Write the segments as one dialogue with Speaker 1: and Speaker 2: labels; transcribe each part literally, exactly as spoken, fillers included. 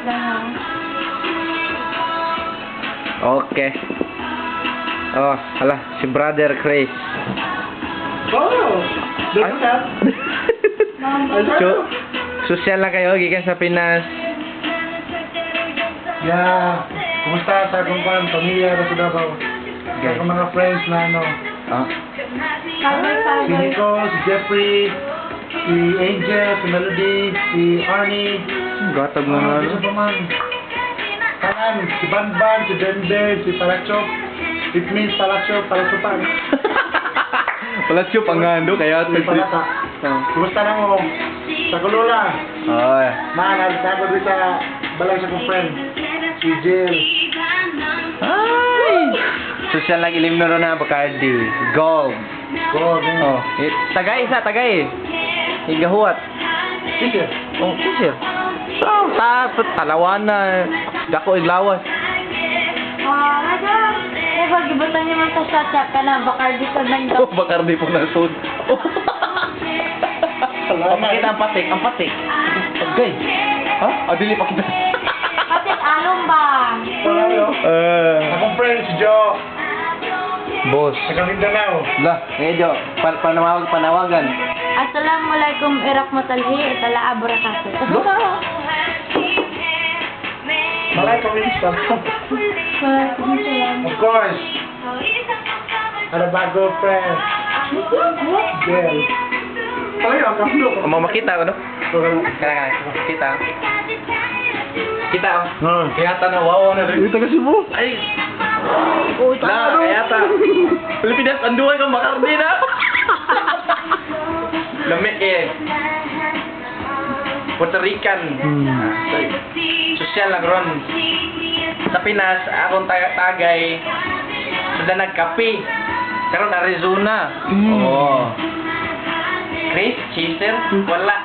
Speaker 1: lang ha.
Speaker 2: Okay. Oh, hala, si Brother Chris.
Speaker 3: Oh! Look
Speaker 2: Ay.
Speaker 3: at that!
Speaker 2: So, social lang kayo, gikan sa Pinas.
Speaker 3: Yeah! Kumusta sa akong pan, pamilya, sa Davao? Sa
Speaker 2: Okay.
Speaker 3: akong mga friends na ano,
Speaker 2: Ah.
Speaker 3: si
Speaker 1: Kagay-kagay.
Speaker 3: Nicole, si Jeffrey, si Angel, si Melody, si Arnie,
Speaker 2: Gatag mo
Speaker 3: ah,
Speaker 2: na.
Speaker 3: isa pa man. Kanan, si Banban, si Denver, si Palachok, it means Palachok, Palachopan.
Speaker 2: Wala siya pangando, kaya...
Speaker 3: Si Palata. Kumusta na mo? Sa Kulula.
Speaker 2: Ay.
Speaker 3: Man, nagtagod rin sa balay sa kong friend. Si Jill.
Speaker 2: Ay! Social lang ilim na ron na, Bacardi. Gold.
Speaker 3: Go, man.
Speaker 2: Oh, eh, tagay isa, tagay. Higahuat.
Speaker 3: Teacher.
Speaker 2: Oh, teacher. So, ta, talawan na. Dako iglawas.
Speaker 1: Ah, madam. Eh, pag ibutan niyo man sa shot shot ka na, Bacardi ka nang
Speaker 2: Oh, Bacardi po na sud. Oh.
Speaker 3: Salamat.
Speaker 2: Pakita ang patik, ang patik. Okay. Ha? Ah, dili pakita.
Speaker 1: Kapit along ba?
Speaker 3: Salamat.
Speaker 2: Eh,
Speaker 3: Akong friend si Joe.
Speaker 2: boss.
Speaker 3: Sa Mindanao.
Speaker 2: Lah, medyo pan panawag panawagan.
Speaker 1: Assalamualaikum irahmatullahi itala abarakatuh.
Speaker 3: Malay kami sa
Speaker 1: Waalaikumsalam.
Speaker 3: Of course. Ada bago friend. Jill. Ay, ang kamlo.
Speaker 2: Mau makita ano? Kana kana. Kita. Kita.
Speaker 3: Ha.
Speaker 2: Kayata na wow na rin.
Speaker 3: Ito kasi mo.
Speaker 2: Ay.
Speaker 1: Oh,
Speaker 2: Lah, kayata. Pilipinas anduay kang Bacardi na. Lamig eh. Puerto Rican.
Speaker 3: Hmm.
Speaker 2: Social lang ron. Sa Pinas, akong taga tagay. Sada nagkape. Karon Arizona.
Speaker 3: Mm.
Speaker 2: Oh. Chris, Chaser, wala.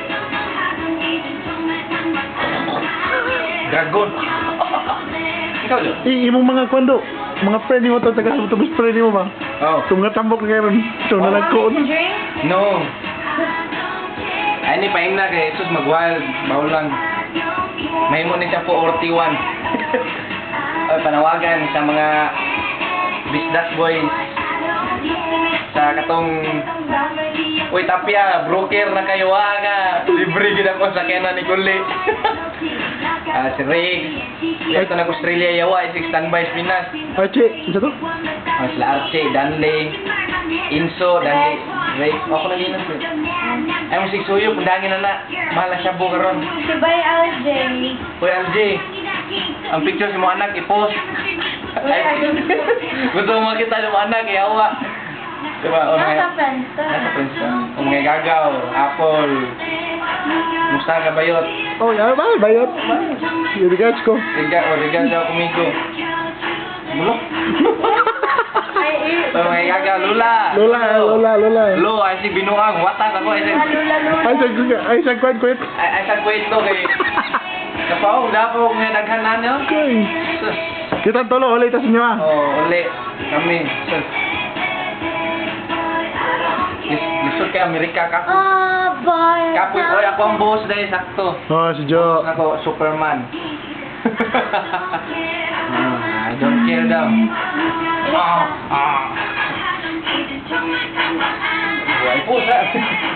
Speaker 2: Dragon. Ikaw do?
Speaker 3: I imong mga kwando, mga friend mo to taga sa tubos friend mo ba?
Speaker 2: Oh.
Speaker 3: Tunga tambok na karon. So na nagkoon.
Speaker 2: No. Ay, ni paing na kay Jesus mag-wild. Bawal lang. Mahimo ni siya po forty-one. Ay, panawagan sa mga bisdas boys. Sa katong Uy, Tapia, broker na kayo aga. Libre gid ako sa kena ni Kuli. Ah, si Riggs. Ito na Australia yawa, isig standby sa Pinas.
Speaker 3: Archie, isa to?
Speaker 2: Ah, sila Archie, Danley, Inso, Danley, Ray. Ako na linas. Ay, musik suyo, pundangin na na. Mahal na siya buka ron.
Speaker 1: Si Bay L J.
Speaker 2: Uy, L J, ang picture si mo anak, i-post. Ay, gusto mo makita ng anak, iawa. Diba? O, mga,
Speaker 1: Nasa Friendster.
Speaker 2: nasa Princeton. O mga gagaw, apple, musta ka bayot.
Speaker 3: Oh, ya ba, bayot. Yung regards ko.
Speaker 2: Riga, o riga daw kumigo. Mulo.
Speaker 1: Ay, eh.
Speaker 2: O mga gagaw, lula.
Speaker 3: Lola, lola, lola.
Speaker 2: Lo, ay si binuang, watak ako, ay si...
Speaker 1: Lula-lula.
Speaker 3: Ay, sa ay sa kwat kwat.
Speaker 2: Ay, ay sa kwento kay... Kapaong, dapo nga naghanan nyo.
Speaker 3: Okay.
Speaker 2: Sus.
Speaker 3: Kita tolo ulit tas niyo ah.
Speaker 2: Oh, uli. Kami. Sus. Lis- Lisod kay Amerika ka.
Speaker 1: Ah, boy.
Speaker 2: Kapoy, oy, ako ang boss dahil sakto.
Speaker 3: Oh, si Jo.
Speaker 2: Ako, Superman. Hmm, I don't care daw. Ah, ah. Buhay po sa...